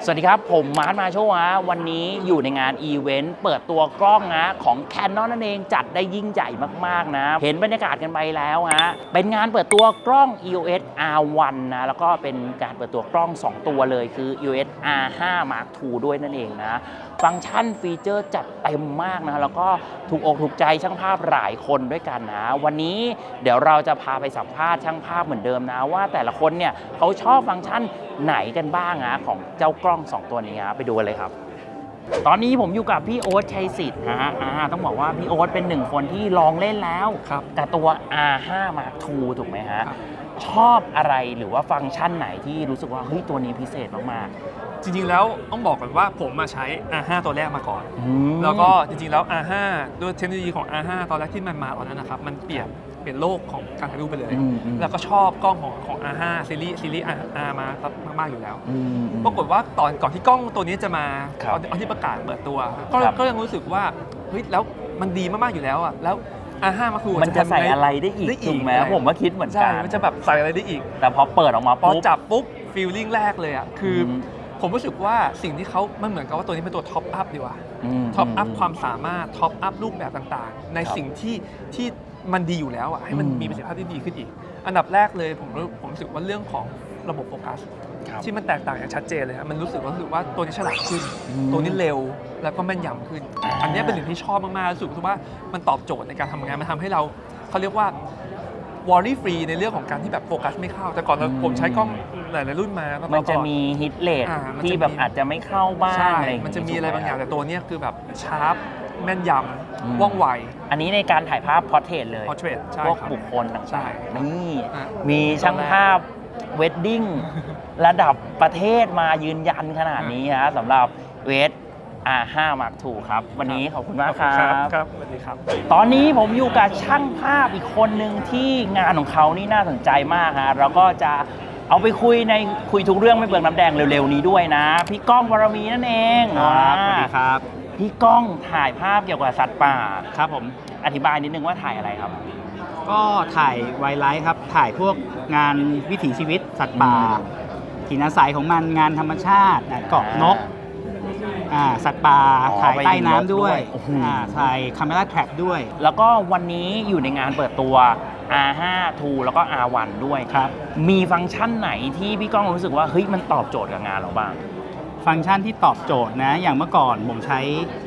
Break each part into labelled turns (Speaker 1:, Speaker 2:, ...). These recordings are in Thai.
Speaker 1: สวัสดีครับผมมาร์ทมาโชว์วันนี้อยู่ในงานอีเวนต์เปิดตัวกล้องของ Canon นั่นเองจัดได้ยิ่งใหญ่มากๆนะเห็นบรรยากาศกันไปแล้วเป็นงานเปิดตัวกล้อง EOS R1 นะแล้วก็เป็นการเปิดตัวกล้อง2ตัวเลยคือ EOS R5 Mark II ด้วยนั่นเองนะฟังก์ชันฟีเจอร์จัดเต็มมากนะแล้วก็ถูกอกถูกใจช่างภาพหลายคนด้วยกันนะวันนี้เดี๋ยวเราจะพาไปสัมภาษณ์ช่างภาพเหมือนเดิมนะว่าแต่ละคนเนี่ยเขาชอบฟังก์ชันไหนกันบ้างของเจ้ากล้อง2ตัวนี้ไปดูกันเลยครับตอนนี้ผมอยู่กับพี่โอ๊ตชัยสิทธิ์ต้องบอกว่าพี่โอ๊ตเป็นหนึ่งคนที่ลองเล่นแล้วกับตัว R5 Mark II ถูกไหมฮะชอบอะไรหรือว่าฟังก์ชันไหนที่รู้สึกว่าเฮ้ยตัวนี้พิเศษมาก
Speaker 2: ๆจริงๆแล้วต้องบอกก่อนว่าผมมาใช้ R5 ตัวแรกมาก่อนแล้วก็จริงๆแล้ว R5 ด้วยเทคโนโลยีของ R5 ตอนแรกที่มันมาตอนนั้นนะครับมันเปลี่ยนโลกของการถ่ายรูปไปเลยแล้วก็ชอบกล้องของ R5 ซีรีส์ R มามากๆอยู่แล้วปรากฏว่าก่อนที่กล้องตัวนี้จะมาตอนที่ประกาศเปิดตัวก็ยังรู้สึกว่าเฮ้ยแล้วมันดีมากๆอยู่แล้วแล้ว R5 มัน
Speaker 1: จะใส่อะไรได้อีกถูกไหมผมว่าคิดเหมือนกัน
Speaker 2: มันจะแบบใส่อะไรได้อีก
Speaker 1: แต่พอเปิดออกมา
Speaker 2: พอจับปุ๊บฟีลลิ่งแรกเลยคือผมรู้สึกว่าสิ่งที่เขามันเหมือนกับว่าตัวนี้เป็นตัวท็อปอัพดีกว่าท็อปอัพความสามารถท็อปอัพรูปแบบต่างๆในสิ่งที่มันดีอยู่แล้วให้มันมีประสิทธิภาพที่ดีขึ้นอีกอันดับแรกเลยผมรู้สึกว่าเรื่องของระบบโฟกัสที่มันแตกต่างอย่างชัดเจนเลยมันรู้สึกว่าตัวนี้ฉลาดขึ้นตัวนี้เร็วแล้วก็แม่นยำขึ้นอันนี้เป็นสิ่งที่ชอบมากๆรู้สึกว่ามันตอบโจทย์ในการทำงานมันทำให้เขาเรียกว่าวอร์รี่ฟรีในเรื่องของการที่แบบโฟกัสไม่เข้าแต่ก่อนผมใช้กล้องหลายๆรุ่นมา
Speaker 1: มันจะมีฮิตเรทที่แบบอาจจะไม่เข้าบ้างอะไร
Speaker 2: มันจะมีอะไรบางอย่างแต่ตัวนี้คือแบบชาร์ปแม่นยำว่องไว
Speaker 1: อันนี้ในการถ่ายภาพพอร์เทรตเลยพวกบุคคลต่างๆนี่มีช่างภาพเวดดิ้งระดับประเทศมายืนยันขนาดนี้สำหรับเวสR5 Mark II ครับวันนี้ขอบคุณมาก
Speaker 2: ครับสวัสดีครับ
Speaker 1: ตอนนี้ผมอยู่กับช่างภาพอีกคนหนึ่งที่งานของเขานี่น่าสนใจมากเราก็จะเอาไปคุยทุกเรื่องไม่เปลืองน้ำแดงเร็วๆนี้ด้วยนะพี่ก้องวรมีนั่นเอง
Speaker 3: ครับสวัสดีครับ
Speaker 1: พี่ก้องถ่ายภาพเกี่ยวกับสัตว์ป่าครับผมอธิบายนิดนึงว่าถ่ายอะไรครับ
Speaker 3: ก็ถ่ายไวไลท์ครับถ่ายพวกงานวิถีชีวิตสัตว์ป่าถิ่นอาศัยของมันงานธรรมชาติเกาะนกสัตว์ป่าถ่ายใต้น้ำด้วยถ่ายคาเมราแทร็ปด้วย
Speaker 1: แล้วก็วันนี้อยู่ในงานเปิดตัว R5 II แล้วก็ R1 ด้วย
Speaker 3: ครับ
Speaker 1: มีฟังก์ชันไหนที่พี่ก้องรู้สึกว่าเฮ้ยมันตอบโจทย์กับงานเราบ้าง
Speaker 3: ฟังก์ชันที่ตอบโจทย์นะอย่างเมื่อก่อนผมใช้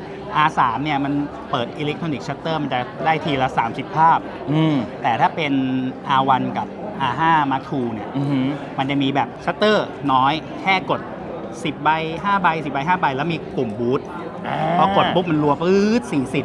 Speaker 3: R3 เนี่ยมันเปิดอิเล็กทรอนิกส์ชัตเตอร์มันจะได้ทีละ30ภาพแต่ถ้าเป็น R1 กับ R5 Mark II เนี่ยมันจะมีแบบชัตเตอร์น้อยแค่กด10ใบ5ใบ10ใบ5ใบแล้วมีปุ่มบูทพอกดปุ๊บมันรัวปื๊ด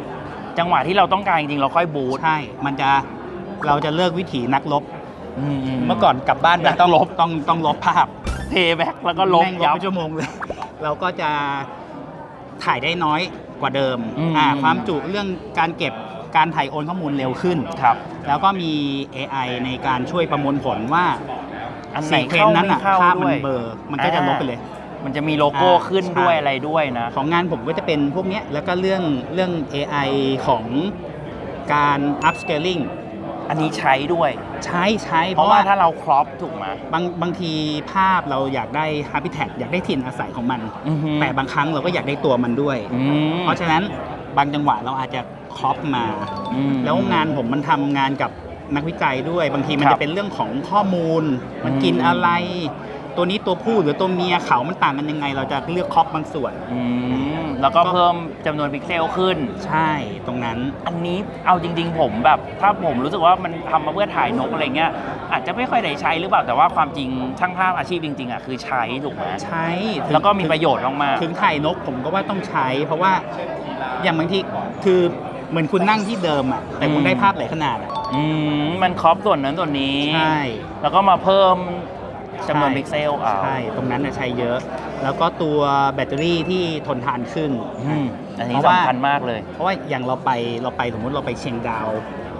Speaker 3: 40
Speaker 1: จังหวะที่เราต้องการจริงๆเราค่อยบูท
Speaker 3: ใช่เราจะเลิกวิถีนักรบเมื่อก่อนกลับบ้านต้องลบภาพ
Speaker 1: เทแบ็กแล้วก็ลบ
Speaker 3: ยับชั่วโมงเลยเราก็จะถ่ายได้น้อยกว่าเดิมความจุเรื่องการเก็บการถ่ายโอนข้อมูลเร็วขึ้น
Speaker 1: ครับ
Speaker 3: แล้วก็มี AI ในการช่วยประมวลผลว่าซีเควนซ์นั้นภาพมันเบลอมันก็จะลบไปเลย
Speaker 1: มันจะมีโลโก้ขึ้นด้วยอะไรด้วยนะ
Speaker 3: ของงานผมก็จะเป็นพวกนี้แล้วก็เรื่อง AI ของการ upscaling
Speaker 1: อันนี้ใช้ด้วย
Speaker 3: ใช้
Speaker 1: เพราะว่าถ้าเราครอปถูกไหม
Speaker 3: บางทีภาพเราอยากได้ habitat อยากได้ถิ่นอาศัยของมันแต่บางครั้งเราก็อยากได้ตัวมันด้วยเพราะฉะนั้นบางจังหวะเราอาจจะครอปมาแล้วงานผมมันทำงานกับนักวิจัยด้วยบางทีมันจะเป็นเรื่องของข้อมูลมันกินอะไรตัวนี้ตัวผู้หรือตัวเมียเขามันต่างกันยังไงเราจะเลือกครอปบางส่วน
Speaker 1: แล้วก็เพิ่มจำนวนพิกเซลขึ้น
Speaker 3: ใช่ตรงนั้น
Speaker 1: อันนี้เอาจริงๆผมแบบถ้าผมรู้สึกว่ามันทำมาเพื่อถ่ายนกอะไรเงี้ยอาจจะไม่ค่อยได้ใช้หรือเปล่าแต่ว่าความจริงช่างภาพอาชีพจริงๆคือใช้ถูกไหม
Speaker 3: ใช้
Speaker 1: แล้วก็มีประโยชน์มาก
Speaker 3: ถึงถ่ายนกผมก็ว่าต้องใช้เพราะว่าอย่างบางทีคือเหมือนคุณนั่งที่เดิมแต่คุณได้ภาพหลายขนาด
Speaker 1: มันครอปส่วนนั้นส่วนนี้
Speaker 3: ใช่
Speaker 1: แล้วก็มาเพิ่มจำนวนพิกเซล
Speaker 3: ใช่ตรงนั้นใช้เยอะแล้วก็ตัวแบตเตอรี่ที่ทนทานขึ้น
Speaker 1: อันนี้สำคัญมากเลย
Speaker 3: เพราะว่าอย่างเราไปสมมติเราไปเชียงดาว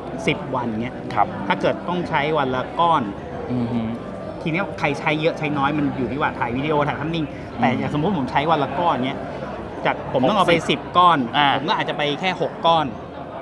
Speaker 3: 10วันเงี้ยถ้าเกิดต้องใช้วันละก้อนทีนี้ใครใช้เยอะใช้น้อยมันอยู่ที่ว่าถ่ายวิดีโอถ่ายภาพนิ่งแต่อย่างสมมติผมใช้วันละก้อนเงี้ยจากผมต้องเอาไป10ก้อนผมก็อาจจะไปแค่6ก้อน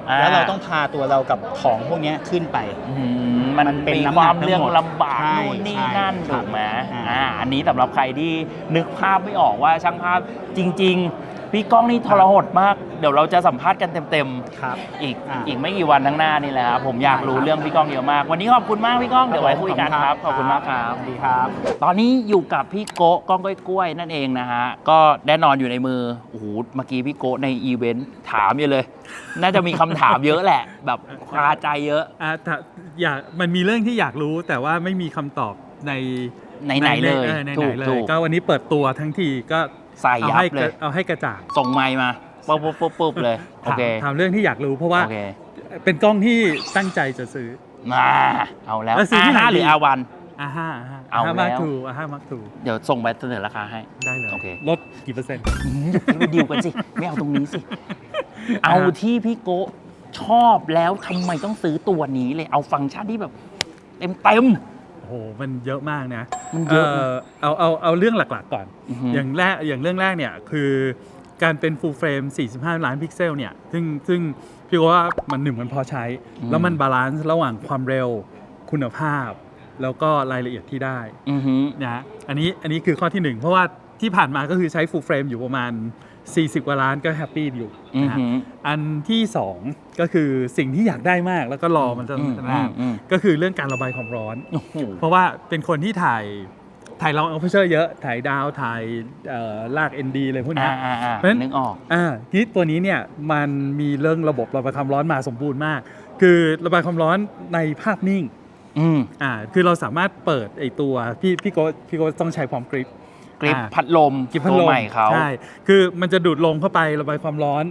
Speaker 3: แล้วเราต้องพาตัวเรากับของพวกเนี้ยขึ้นไป
Speaker 1: มัน
Speaker 3: เป็น
Speaker 1: มี
Speaker 3: น้ำ
Speaker 1: ค
Speaker 3: หนั
Speaker 1: วาก ม
Speaker 3: ทั้งหมด
Speaker 1: เรื่องลำบาก
Speaker 3: ใช่
Speaker 1: นู่นนี่
Speaker 3: ใช่
Speaker 1: นั่น
Speaker 3: ครั
Speaker 1: ถู
Speaker 3: บ
Speaker 1: กไหม
Speaker 3: อ่า
Speaker 1: อันนี้สำหรับใครที่นึกภาพไม่ออกว่าช่างภาพจริง ๆ พี่ก้องนี่ทรหดมาก เดี๋ยวเราจะสัมภาษณ์กันเต็ม
Speaker 3: ครับ
Speaker 1: ๆอีก
Speaker 3: อ่า
Speaker 1: อีกไม่กี่วันข้างหน้านี่แหละครับผมอยากรู้
Speaker 3: ได้ครับ
Speaker 1: เรื่องพี่ก้องเยอะมาก วันนี้ขอบคุณมากพี่ก้องเดี๋ยวไว้คุยกันครับขอบคุณมากครับ
Speaker 3: สวัสดีครับ
Speaker 1: ตอนนี้อยู่กับพี่โกะก้องกล้วยนั่นเองนะฮะ ก็แน่นอนอยู่ในมือ โอ้โห เมื่อกี้พี่โกะในอีเวนต์ถามอยู่เลย น่าจะมีคำถามเยอะแหละ แบบคาใจเยอะ
Speaker 4: ถ้ามันมีเรื่องที่อยากรู้แต่ว่าไม่มีคำตอบใน
Speaker 1: ไหนๆเลย
Speaker 4: ใน
Speaker 1: ถู
Speaker 4: ไหน
Speaker 1: ก
Speaker 4: เล
Speaker 1: ถู
Speaker 4: ย
Speaker 1: ก
Speaker 4: ก็วันนี้เปิดตัวทั้งทีก็
Speaker 1: ใส่ยับเลย
Speaker 4: เอาให้กระจ่าง
Speaker 1: ส่งไมค์มาปุ๊บเลย โอเค
Speaker 4: ถามเรื่องที่อยากรู้เพราะว่า
Speaker 1: โอเค
Speaker 4: เป็นกล้องที่ตั้งใจจะซื้อ
Speaker 1: มาเอาแล้ว
Speaker 4: แล้วซื้อที่ไหน
Speaker 1: R5 หรือ
Speaker 4: ดี
Speaker 1: R1 เอาแล้ว
Speaker 4: มาร์คทูอาห้ามาร์คทู
Speaker 1: เดี๋ยวส่งไปเสนอราคาให้
Speaker 4: ได้เลย
Speaker 1: โอเค
Speaker 4: ลดกี่เปอร์เซ็นต์
Speaker 1: ไปดิวกันสิ ไม่เอาตรงนี้สิ เอาที่พี่โกะชอบแล้วทำไมต้องซื้อตัวนี้เลย เอาฟังก์ชันที่แบบเต็ม
Speaker 4: โอ้โหมันเยอะมากนะ
Speaker 1: มันเยอะนะ
Speaker 4: เอาเรื่องหลักๆก่อน
Speaker 1: อือฮึ
Speaker 4: อย่างเรื่องแรกเนี่ยคือการเป็น full frame 45 ล้านพิกเซลเนี่ยซึ่งพี่ว่ามันพอใช้ แล้วมันบาลานซ์ระหว่างความเร็วคุณภาพ แล้วก็รายละเอียดที่ได้
Speaker 1: อือฮึ
Speaker 4: นะอันนี้คือข้อที่หนึ่งเพราะว่าที่ผ่านมาก็คือใช้ full frame อยู่ประมาณ 40 กว่าล้านก็แฮปปี้อยู่
Speaker 1: อือ
Speaker 4: นะฮะ
Speaker 1: ฮึ
Speaker 4: อันที่สองก็คือสิ่งที่อยากได้มากแล้วก็รอมันจะนาน
Speaker 1: อืม
Speaker 4: ก็คือเรื่องการระบายความร้อน
Speaker 1: โอ้โห
Speaker 4: เพราะว่าเป็นคนที่ถ่ายลองเอาเพเชอร์เยอะ ถ่ายดาวถ่ายลาก ND อะไรพวกเนี้ย เพราะฉะนั้น
Speaker 1: นึกออก
Speaker 4: ที่ตัวนี้เนี่ยมันมีเรื่องระบบระบายความร้อนมาสมบูรณ์มาก คือระบายความร้อนในภาพนิ่ง
Speaker 1: อืม
Speaker 4: คือเราสามารถเปิดไอตัวพี่โกต้องใช้พร้อมกริป
Speaker 1: กริปพัดลม
Speaker 4: กริปพัด
Speaker 1: ตัว
Speaker 4: ลม
Speaker 1: ใหม่เขา
Speaker 4: ใช่คือมันจะดูดลมเข้าไประบายความร้อน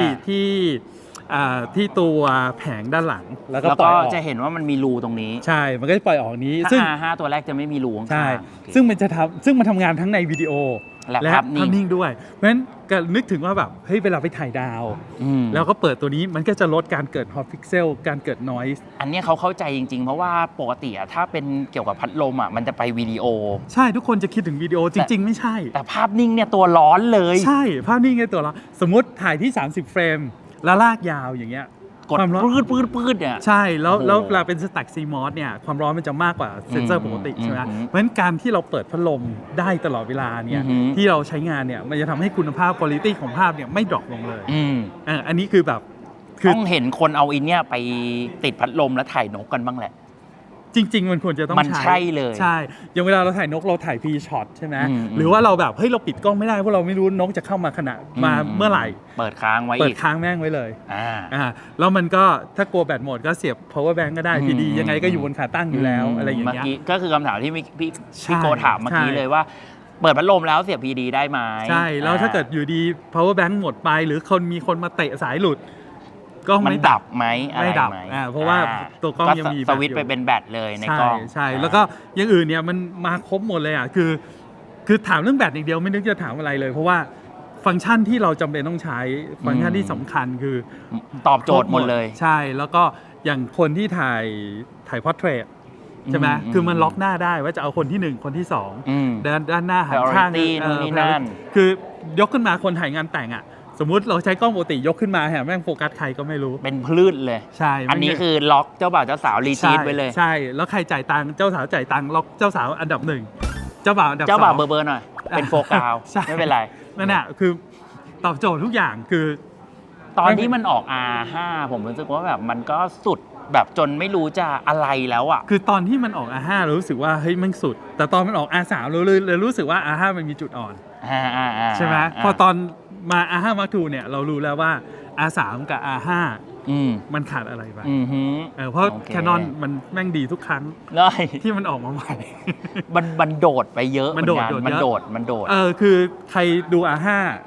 Speaker 4: ที่ตัวแผงด้านหลังแล้วก็
Speaker 1: แล้ว
Speaker 4: ปล่
Speaker 1: ก็
Speaker 4: อยออก
Speaker 1: จะเห็นว่ามันมีรูตรงนี้
Speaker 4: ใช่มันก็จะปล่อยออกนี้
Speaker 1: ถ้า
Speaker 4: ซึ่ง
Speaker 1: R5 ตัวแรกจะไม่มีรูข้างๆ
Speaker 4: ใช่
Speaker 1: โอเค
Speaker 4: ซึ่งมันทำงานทั้งในวิดีโอ
Speaker 1: และภาพนิ่ง
Speaker 4: ด้วย เพราะฉะนั้นก็นึกถึงว่าแบบเฮ้ยเวลาไปถ่ายดาว
Speaker 1: อืม
Speaker 4: แล้วก็เปิดตัวนี้มันก็จะลดการเกิดฮอตพิกเซลการเกิดนอยส์
Speaker 1: อันเนี้ยเขาเข้าใจจริงๆ เพราะว่าปกติอะถ้าเป็นเกี่ยวกับพัดลมอะมันจะไปวิดีโอ
Speaker 4: ใช่ทุกคนจะคิดถึงวิดีโอจริง ๆ ไม่ใช่
Speaker 1: แต่ภาพนิ่งเนี่ยตัวร้อนเลย
Speaker 4: ใช่ภาพนิ่งในตัวเราสมมุติถ่ายที่ 30 เฟรม แล้วลากยาวอย่างเงี้ย
Speaker 1: กด
Speaker 4: ความร้อน
Speaker 1: ปืดเนี่ย
Speaker 4: ใช่แล้ว
Speaker 1: โอ้โห
Speaker 4: แล้วเวลาเป็นสแต็กซีมอสเนี่ยความร้อนมันจะมากกว่าเซนเซอร์ปกติใช่ไหม
Speaker 1: อืม
Speaker 4: เพราะฉะนั้นการที่เราเปิดพัดลมได้ตลอดเวลาเนี่ย
Speaker 1: อือหือ
Speaker 4: ที่เราใช้งานเนี่ยมันจะทำให้คุณภาพคุณภาพของภาพเนี่ยไม่ดรอปลงเลย
Speaker 1: อืม
Speaker 4: อันนี้คือแบบคือ
Speaker 1: ต้องเห็นคนเอาอินเนี่ยไปติดพัดลมแล้วถ่ายนกกันบ้างแหละ
Speaker 4: จริง ๆ มันควรจะต้อง
Speaker 1: มันใช่เลย
Speaker 4: ใช่อย่างเวลาเราถ่ายนกเราถ่ายพีช็อตใช่ไหม
Speaker 1: อืม
Speaker 4: หรือว่าเราแบบเฮ้ยเราปิดกล้องไม่ได้เพราะเราไม่รู้นกจะเข้ามาเมื่อไหร่
Speaker 1: เปิดค้างไว้
Speaker 4: เปิ
Speaker 1: อี
Speaker 4: ด
Speaker 1: ก
Speaker 4: ค้างแม่งไว้เลย
Speaker 1: อ่า
Speaker 4: แล้วมันก็ถ้ากลัวแบตหมดก็เสียบ power bank ก็ได้
Speaker 1: อืม
Speaker 4: พีดียังไงก็อยู่บนขาตั้งอยู่แล้วอะไรอย่าง
Speaker 1: เมื่อ
Speaker 4: เงี้ย
Speaker 1: กี้ก็คือคำถามที่พี่
Speaker 4: ใช่
Speaker 1: โกถามเมื่อกี้
Speaker 4: ใช่
Speaker 1: เลยว่า เปิดพัดลมแล้วเสียบพีดีได้ไหม
Speaker 4: ใช่แล้วถ้าเกิดอยู่ดี power bank หมดไป หรือมีคนมาเตะสายหลุดก็
Speaker 1: มัน
Speaker 4: ไม่
Speaker 1: ดับไหมอะไร
Speaker 4: ไม่ดับ
Speaker 1: ไหม
Speaker 4: เพราะว่าตัวกล้องยังมี
Speaker 1: สวิตช์
Speaker 4: แบตอยู่
Speaker 1: ไปเป็นแบตเลยใน
Speaker 4: ใช่
Speaker 1: กล้อง
Speaker 4: ใช่แล้วก็อย่างอื่นเนี่ยมันมาครบหมดเลยคือถามเรื่องแบตอย่างเดียวไม่นึกจะถามอะไรเลย เพราะว่าฟังก์ชันที่เราจำเป็นต้องใช้ฟังก์ชันที่สำคัญคือ
Speaker 1: ตอบโจทย์หมดเลย
Speaker 4: ใช่แล้วก็อย่างคนที่ถ่ายพอร์เทรตใช่ไหม
Speaker 1: อืม
Speaker 4: คือมันล็อกหน้าได้ว่าจะเอาคนที่หนึ่งคนที่สอง
Speaker 1: อืม
Speaker 4: ด้านหน้าหันข้าง
Speaker 1: Priority นู่นนี่นั่น
Speaker 4: คือยกขึ้นมาคนถ่ายงานแต่งอ่ะสมมุติเราใช้กล้องปกติยกขึ้นมาแม่งโฟกัสใครก็ไม่รู้
Speaker 1: เป็นพลืดเลย
Speaker 4: ใช่
Speaker 1: อันนี้คือล็อกเจ้าบ่าวเจ้าสาวรีทีทไว้เลย
Speaker 4: ใช่แล้วใครจ่ายตังค์เจ้าสาวจ่ายตังค์ล็อกเจ้าสาวอันดับหนึ่งเจ้าบ่าวอันดับ
Speaker 1: เจ้าบ่าว
Speaker 4: สอง
Speaker 1: เบอร์หน่อย เป็นโฟกาว
Speaker 4: ใช่
Speaker 1: ไม่เป็นไร
Speaker 4: นั่นแหละคือตอบโจทย์ทุกอย่างคือ
Speaker 1: ตอนที่มันออก R5 ผมรู้สึกว่าแบบมันก็สุดแบบจนไม่รู้จะอะไรแล้วอ่ะ
Speaker 4: คือตอนที่มันออก R5 เรารู้สึกว่าเฮ้ยมันสุด แต่ตอนมันออก R3 เราเลยรู้สึกว่า R5 มันมีจุดอ่อน ใช่ไหมพอตอนมา R5 Mark II เนี่ยเรารู้แล้วว่า R3 กับ R5
Speaker 1: อืม
Speaker 4: มันขาดอะไรไป
Speaker 1: อือหือ
Speaker 4: เพราะ
Speaker 1: โอเค
Speaker 4: Canon มันแม่งดีทุกครั้ง
Speaker 1: ได้
Speaker 4: ที่มันออกมาใหม่
Speaker 1: มันโดดไปเยอะ
Speaker 4: มันโดด
Speaker 1: เหอกั
Speaker 4: โดดเยอะ
Speaker 1: มันโดด
Speaker 4: คือใครดู R5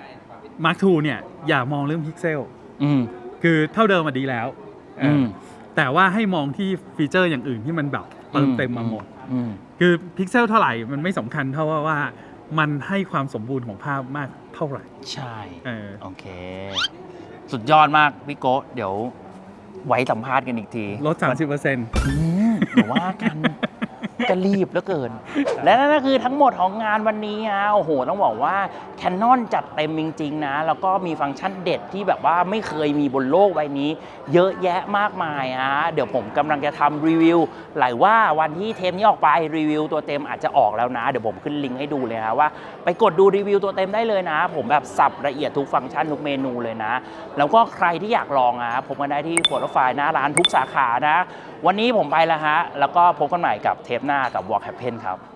Speaker 4: Mark II เนี่ยอย่ามองเรื่องพิกเซล
Speaker 1: อืม
Speaker 4: คือเท่าเดิมมาดีแล้ว
Speaker 1: อืม
Speaker 4: แต่ว่าให้มองที่ฟีเจอร์อย่างอื่นที่มันแบบเติมเต็มมาหมด
Speaker 1: อืม
Speaker 4: คือพิกเซลเท่าไหร่มันไม่สำคัญเท่าว่ามันให้ความสมบูรณ์ของภาพมากเท่าไหร่
Speaker 1: ใช่ โอเค สุดยอดมากพี่โกะเดี๋ยวไว้สัมภาษณ์กันอีกที
Speaker 4: ลด 30%
Speaker 1: เดี๋ยวว่ากันก็รีบเหลือเกิน และนั่นก็คือทั้งหมดของงานวันนี้ฮะโอ้โหต้องบอกว่า Canon จัดเต็มจริงๆนะแล้วก็มีฟังก์ชันเด็ดที่แบบว่าไม่เคยมีบนโลกใบนี้ เยอะแยะมากมายฮะเดี๋ยวผมกำลังจะทำรีวิวหลายว่าวันที่เทปนี้ออกไปรีวิวตัวเต็มอาจจะออกแล้วนะเดี๋ยวผมขึ้นลิงก์ให้ดูเลยนะว่าไปกดดูรีวิวตัวเต็มได้เลยนะ ผมแบบสับละเอียดทุกฟังก์ชันทุกเมนูเลยนะแล้วก็ใครที่อยากลองผมมาได้ที่โฟโต้ไฟล์หน้าร้านทุกสาขานะวันนี้ผมไปแล้วฮะแล้วก็พบกันใหม่กับเทปหน้ากับ Walk Happen ครับ